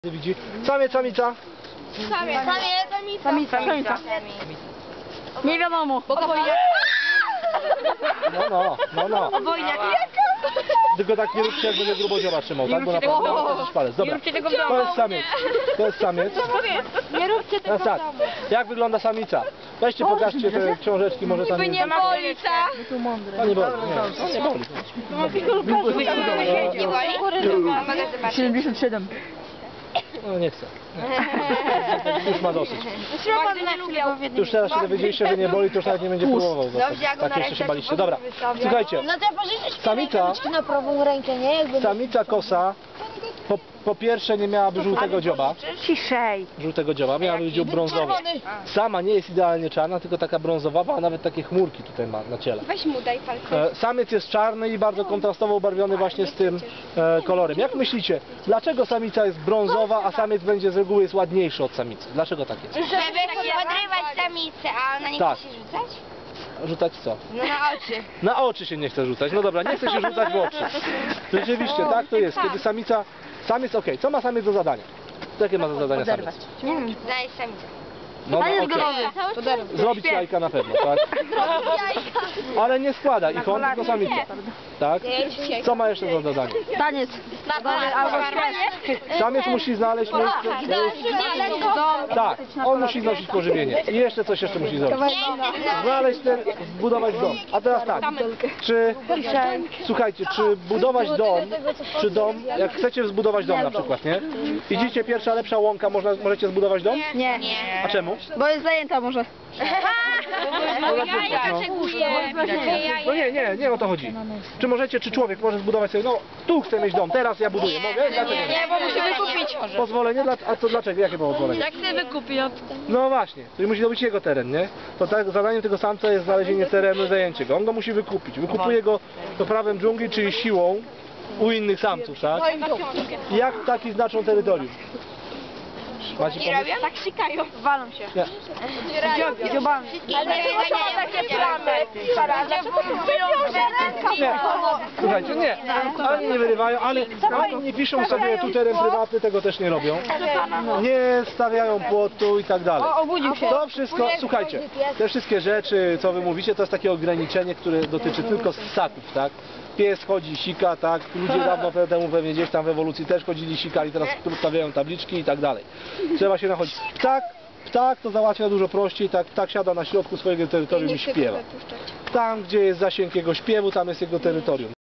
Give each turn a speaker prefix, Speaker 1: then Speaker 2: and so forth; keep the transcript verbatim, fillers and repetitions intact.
Speaker 1: Widzi. Samiec, samica.
Speaker 2: Samiec, samiec,
Speaker 3: Samica, samica. Nie wiadomo.
Speaker 2: Obojnia.
Speaker 1: No, no, no, no.
Speaker 2: Obojnia.
Speaker 1: Tylko tak nie róbcie, jak będę grubodzioba trzymał, tak? Bo naprawdę mam też palec. Dobra, to jest samiec. To jest samiec.
Speaker 2: Nie róbcie tego
Speaker 1: Teraz tak, jak wygląda samica? Weźcie, pokażcie te książeczki, może tam...
Speaker 2: By nie boli, ta.
Speaker 1: To nie boli, nie, to nie boli.
Speaker 2: Nie boli?
Speaker 3: siedemdziesiąt siedem.
Speaker 1: No nie chcę. Nie. Już ma dosyć.
Speaker 2: Bardzo nie lubię.
Speaker 1: Już teraz się dowiedzieliście, że nie boli, to już nawet nie będzie próbował.
Speaker 2: Dobrze, ja go
Speaker 1: Tak
Speaker 2: na
Speaker 1: jeszcze się
Speaker 2: rękę
Speaker 1: baliście. Dobra, słuchajcie,
Speaker 2: No to pożyczyć
Speaker 1: samica,
Speaker 2: na prawą rękę, nie? Jakby...
Speaker 1: samica kosa po, po pierwsze nie miałaby żółtego dzioba.
Speaker 3: Ciszej.
Speaker 1: Żółtego dzioba, miałaby dziób brązowy. Sama nie jest idealnie czarna, tylko taka brązowa, a nawet takie chmurki tutaj ma na ciele.
Speaker 2: Weź mu daj palce.
Speaker 1: E, Samiec jest czarny i bardzo kontrastowo ubarwiony właśnie z tym e, kolorem. Jak myślicie, dlaczego samica jest brązowa, a samiec będzie z reguły jest ładniejszy od samicy? Dlaczego tak jest?
Speaker 2: Żeby podrywać samicę, a ona nie
Speaker 1: Tak.
Speaker 2: chce się rzucać?
Speaker 1: Rzucać co?
Speaker 2: No na oczy.
Speaker 1: Na oczy się nie chce rzucać. No dobra, nie chce się rzucać w oczy. Rzeczywiście, tak to jest. Kiedy samica... Samiec, okej, co ma samiec do zadania? Jakie ma do zadania samiec?
Speaker 2: Daj samicę.
Speaker 1: No, no
Speaker 3: jest
Speaker 1: okej.
Speaker 3: gotowy.
Speaker 1: Zrobić jajka na pewno, tak? Ale nie składa ich on, tylko samica. Tak? Co ma jeszcze za zadanie?
Speaker 3: Taniec. Albo śpiew.
Speaker 1: Samiec musi znaleźć miejsce... Tak, on musi znosić pożywienie. I jeszcze coś jeszcze musi zrobić. Znaleźć ten, zbudować dom. A teraz tak, czy... Słuchajcie, czy budować dom, czy dom, jak chcecie zbudować dom na przykład, nie? Idziecie, pierwsza lepsza łąka, można, możecie zbudować dom?
Speaker 3: Nie.
Speaker 1: A czemu?
Speaker 3: Bo jest zajęta może.
Speaker 1: No nie, nie, nie o to chodzi. Czy możecie, czy człowiek może zbudować sobie, no tu chcę mieć dom, teraz ja buduję, mogę? Dlaczego nie?
Speaker 3: Nie, bo musi wykupić.
Speaker 1: Pozwolenie? Dla- A to dlaczego? Jakie było pozwolenie?
Speaker 3: Jak sobie wykupi od...
Speaker 1: No właśnie, czyli musi to być jego teren, nie? To tak, zadaniem tego samca jest znalezienie terenu i zajęcie go. On go musi wykupić. Wykupuje go to prawem dżungli, czyli siłą u innych samców, tak? I jak ptaki znaczą terytorium? Macie pomysł?
Speaker 3: Tak sikają. Walą się.
Speaker 1: Nie.
Speaker 3: Dziobami.
Speaker 2: Ale chyba nie ma takie plany.
Speaker 1: Nie. Słuchajcie, nie. Ani nie wyrywają, ale ani nie piszą sobie tu teren prywatny, tego też nie robią. Nie stawiają płotu i tak dalej.
Speaker 3: Obudził się.
Speaker 1: To wszystko, słuchajcie, te wszystkie rzeczy, co wy mówicie, to jest takie ograniczenie, które dotyczy tylko ssaków, tak? Pies chodzi, sika, tak? Ludzie dawno temu pewnie gdzieś tam w ewolucji też chodzili, sikali, teraz stawiają tabliczki i tak dalej. Trzeba się nachodzić. Ptak, ptak to załatwia dużo prościej, tak? Ptak siada na środku swojego terytorium i śpiewa. Tam, gdzie jest zasięg jego śpiewu, tam jest jego terytorium.